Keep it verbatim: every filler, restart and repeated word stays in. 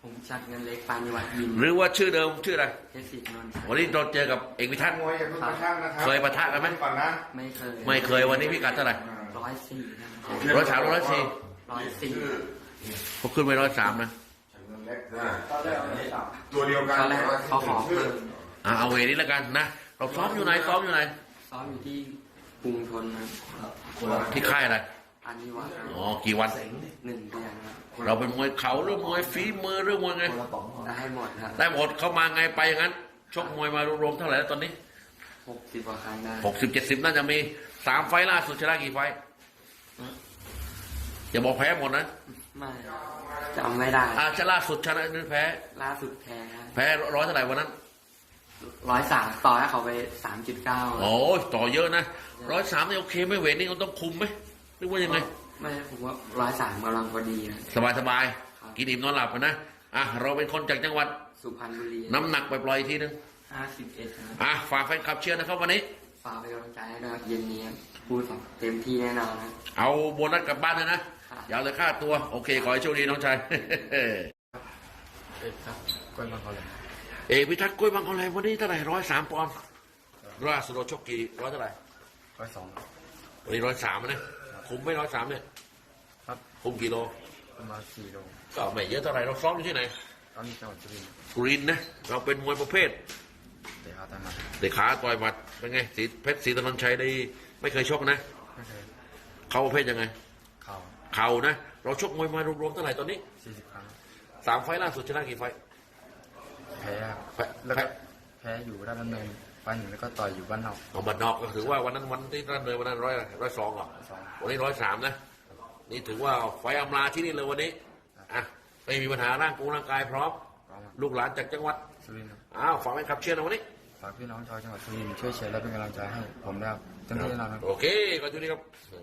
ผมชัดเงินเล็กปานิวัฒน์ยิมหรือว่าชื่อเดิมชื่ออะไรเพชรศรีนนท์วันนี้เราเจอกับเอกพิทักษ์เคยปะทะกันไหมไม่เคยไม่เคยวันนี้พิกัดเท่าไหร่ร้อยสี่ร้อยสามร้อยสี่ร้อยสี่เขาขึ้นไปร้อยสามนะตัวเดียวกันตอนแรกเขาขอเพิ่มอ่าเอาเวนี้แล้วกันนะเราซ้อมอยู่ไหนซ้อมอยู่ไหนซ้อมอยู่ที่กรุงธนนะที่ค่ายอะไรปานิวัฒน์อ๋อกี่วันหนึ่งเดือนครับเราเป็นมวยเข่าหรือมวยฝีมือหรือมวยไงได้หมดครับได้หมดเขามาไงไปอย่างนั้นชกมวยมารวมๆเท่าไหร่แล้วตอนนี้หกสิบกว่าครั้งได้หกสิบเจ็ดสิบน่าจะมีสามไฟล่าสุดชนะกี่ไฟอย่าบอกแพ้หมดนะไม่จำไม่ได้อาชนะล่าสุดชนะหรือแพ้ล่าสุดแพ้แพ้ร้อยเท่าไหร่วันนั้นร้อยสามต่อให้เขาไปสามจุดเก้าโอ้ต่อเยอะนะร้อยสามนี่โอเคไม่เวทนี่เขาต้องคุมไหมหรือว่ายังไงไม่ผมว่าร้อยสามกำลังพอดีนะสบายสบายกินอิ่มนอนหลับนะอ่ะเราเป็นคนจากจังหวัดสุพรรณบุรีน้ำหนักไปปล่อยทีนึงห้าสิบเอ็ดอ่ะฝากแฟนคลับเชียร์นะครับวันนี้ฝากเป็นกำลังใจให้ด้วยเย็นนี้พูดเต็มที่แน่นอนนะเอาโบนัสกลับบ้านเลยนะอย่าเลยค่าตัวโอเคขอให้โชคดีน้องชายเอกครับกล้วยมังกรเลยเอกพิทักษ์กล้วยมังกรเลยวันนี้เท่าไหร่ร้อยสามปอนด์ล่าสุดเราชกกี่ร้อยเท่าไหร่ร้อยสองวันนี้ร้อยสามนะคุมไม่ร้อยสามเนี่ยครับคุมกี่โลประมาณสี่โลก็ไม่เยอะเท่าไหร่เราซ้อมอยู่ที่ไหนตอนนี้จังหวัดสุรินทร์สุรินทร์นะเราเป็นมวยประเภทเตะขาต่อยหมัดเตะขาต่อยหมัดเป็นไงสีเพชรศรีตะนนชัยได้ไม่เคยชกนะไม่เคยเขาประเภทยังไงเข่าเข่านะเราชกมวยมารวมๆเท่าไหร่ตอนนี้สี่สิบครั้งสามไฟล์ล่าสุดชนะกี่ไฟล์แพ้แล้วก็แพ้อยู่ด้านดำเนินไฟล์หนึ่งแล้วก็ต่อยอยู่บ้านนอกเอาบ้านนอกก็ถือว่าวันนั้นวันที่ด้านเนินวันนั้นร้อยร้อยสองเหรอวันนี้ร้อยสามนะนี่ถือว่าไฟอำลาที่นี่เลยวันนี้อ่ะไม่มีปัญหาร่างกายร่างกายพร้อมลูกหลานจากจังหวัดสุรินทร์อ้าวฝากให้ขับเชียร์นะวันนี้ฝากพี่น้องชาวจังหวัดสุรินทร์ช่วยเชียร์และเป็นกำลังใจให้ผมนะครับเต็มที่แน่นอนครับโอเคขอบคุณครับ